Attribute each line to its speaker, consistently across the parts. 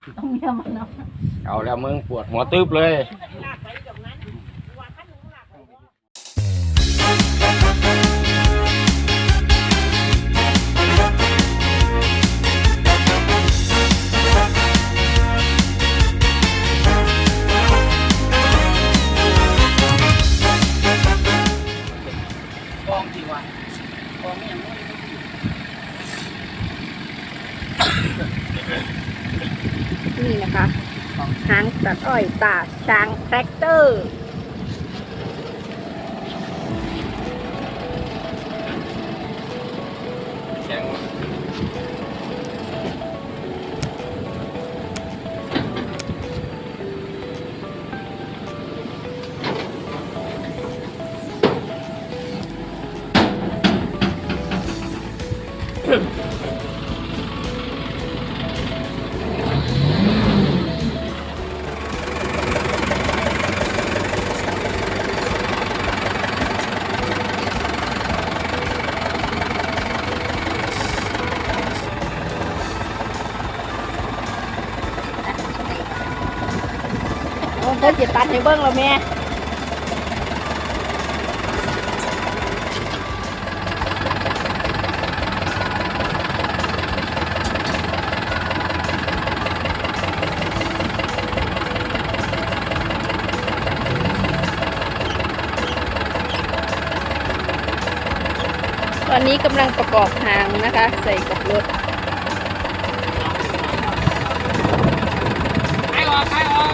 Speaker 1: ต้องเมียมันเนาะ
Speaker 2: เอาแล้วมึงปวดหัวตึ๊บเลย
Speaker 3: กองจริงวะกองอย่างนู้น
Speaker 1: นี่นะคะหางตัดอ้อยตาช้างแทรกเตอร์
Speaker 2: แข็ง
Speaker 1: เพิ่นจะตัดให้เบิ่งแล้วแม่ตอนนี้กำลังประกอบหางนะคะใส่กับรถ
Speaker 3: ใครออก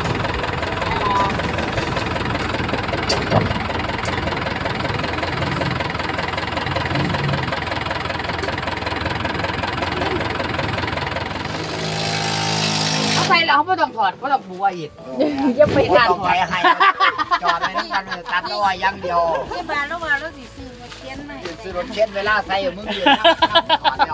Speaker 3: เอาใส่แล้วเขาไม่ต้องถอดเขาต้องบัวอีก
Speaker 1: อย่าไป
Speaker 3: ไม่
Speaker 1: ทาน
Speaker 3: ต้องไปให้จอดไว้นั่นกันเลยตัดตัวอย่างเดียว
Speaker 1: ที่บ้านแล้วว่าเราสิซื้อรถเข็นมา
Speaker 3: ซื้อรถเช็ดเวลาใส่มึงยืนก่อนแล้ว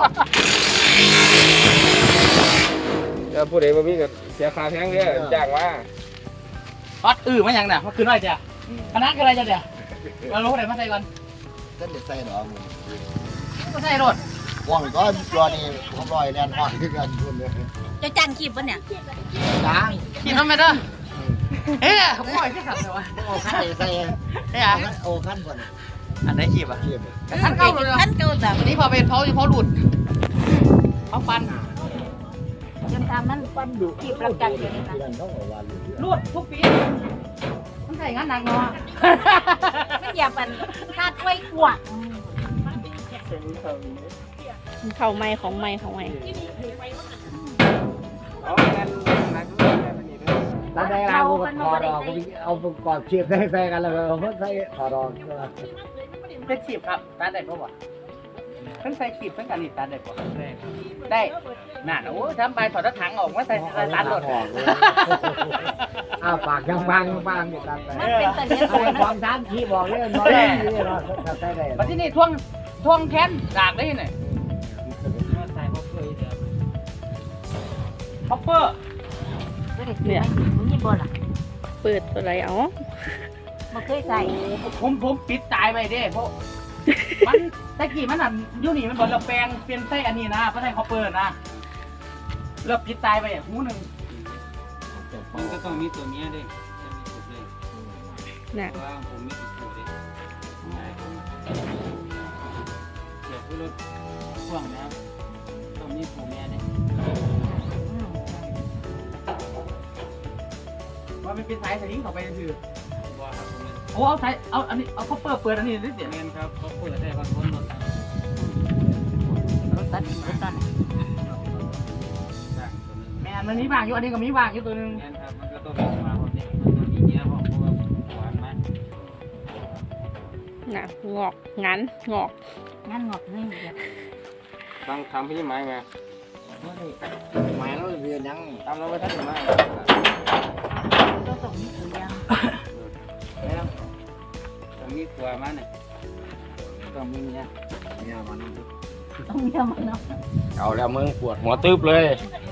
Speaker 2: แล้วผู้ใดมาพี่ก็เสียค่าแพงเนี่ยจ้างว่า
Speaker 3: ฮอตมาอย่างน่ะมันคือน้อยจ้ะคณะคืออะไรจ้ะเดี๋ยวเรารู้ไหนมาใส่ก่อน
Speaker 4: ท่านจะใส่หรอมึง
Speaker 3: ก็ใส่รถ
Speaker 4: ว่างก็รอนี่ผมรอยแลนด์ฮอดคือกันคุณเลย
Speaker 1: จะจ้างขีบปะเนี่ย
Speaker 4: ล้าง
Speaker 3: กินทำไมเด้อเฮ้ยขโมยที่ขับเลยวะ
Speaker 4: โอ้ขั้นใส่
Speaker 3: เฮ้ยอ่ะ
Speaker 4: โอ้ขั้นก่อน
Speaker 3: อันไหนขีบอ่ะ
Speaker 4: เทียบ
Speaker 3: ท่านเก่าเลย
Speaker 1: ท่านเก่าแบบ
Speaker 3: วันนี้พอเป็นเพาหลุดเขาฟัน
Speaker 1: จนทำมันฟันดุขีบประกันอยู่นี่นะ
Speaker 4: ที่นั่นเขาบอกว่า
Speaker 3: หลุดทุกปีมันใส่งานหนักเนาะ
Speaker 1: มันอย่าปันคาดไว้กว่าเข่าไม้ของไม้ของไม้
Speaker 2: เอางั้นนัก
Speaker 4: ตอนแรกเราถอดออกเอากอดเทียบได้แฟกันแล้วเอาเพิ่งใส่ถอดออก
Speaker 3: เป็นขีบครับตัดได้ปะวะเพิ่งใส่ขีบเพิ่งการหนีตัดได้ปะได้น่ะโอ้ทำใบถอดถังออกมาใส่ตัดรถ
Speaker 4: อ้าวปากยังบางอยู่ตัดไป
Speaker 1: มันเป็นตะเลียน
Speaker 4: เอาความทานที่บอกเลยน้อยนี่เราใส่ได้
Speaker 3: มาที่นี่ท่วงแค้นดากได้ยังไงใส่ฮอปเปอร์
Speaker 1: เนี่ยนี่บ่ล่ะ
Speaker 5: เปิดอะไรอ๋อ
Speaker 1: บ่เคยใส่
Speaker 3: ผมปิดตายไปเด้เพราะมันตะกี้มันอ่ะยูนี่มันบอกเราแปลงเปลี่ยนไส้อันนี้นะเพราะไส้ฮอปเปอร์นะเราปิดตายไปหูหนึ่ง
Speaker 6: มันก็ต้องมีตัวเมียด้วยจะมีตัวเลย
Speaker 5: น่ะ
Speaker 6: เพราะว่าผมมีตัวด้วยเกี่ยวกับรถพ่วงนะครับต้องมีตัวเมียด้วย
Speaker 3: ว่ามันเป็นสายสลิงเข้าไปถือ
Speaker 6: ว่าครับผม
Speaker 3: โอ้เอาสายเอาอันนี้เอาฮอปเปอร์เปิดอันนี้นิดเดียว
Speaker 6: เมียนครับเขาเปิดได้บางคนรถ
Speaker 1: รถตัดรถตัด
Speaker 6: ต่างตัวนึง
Speaker 3: แม่มันมีบางอยู่อันนี้ก็มีบางอยู่ตัวนึง
Speaker 6: เมียนครับมันก็ต้องมีมาคนนี้มันต้องมีเมียเพราะว่าหวานมาก
Speaker 5: น่ะงอกงั้นงอก
Speaker 1: งั้นงอกนี่เดียว
Speaker 2: ตั้งทำพี่ไม้ไง
Speaker 4: หมายเราเรียนยัง
Speaker 2: ทำแล้วไม่ทันไม้
Speaker 1: ต้องส่งนี่ตัวยัง
Speaker 6: แล้วต้องมีตัวมาเนี่ยต้องมีเมีย
Speaker 4: เนี่ยมัน
Speaker 1: ต้องเมียมันเนาะ
Speaker 2: เอาแล้วมึงปวดหัวตึ๊บเลย
Speaker 1: เ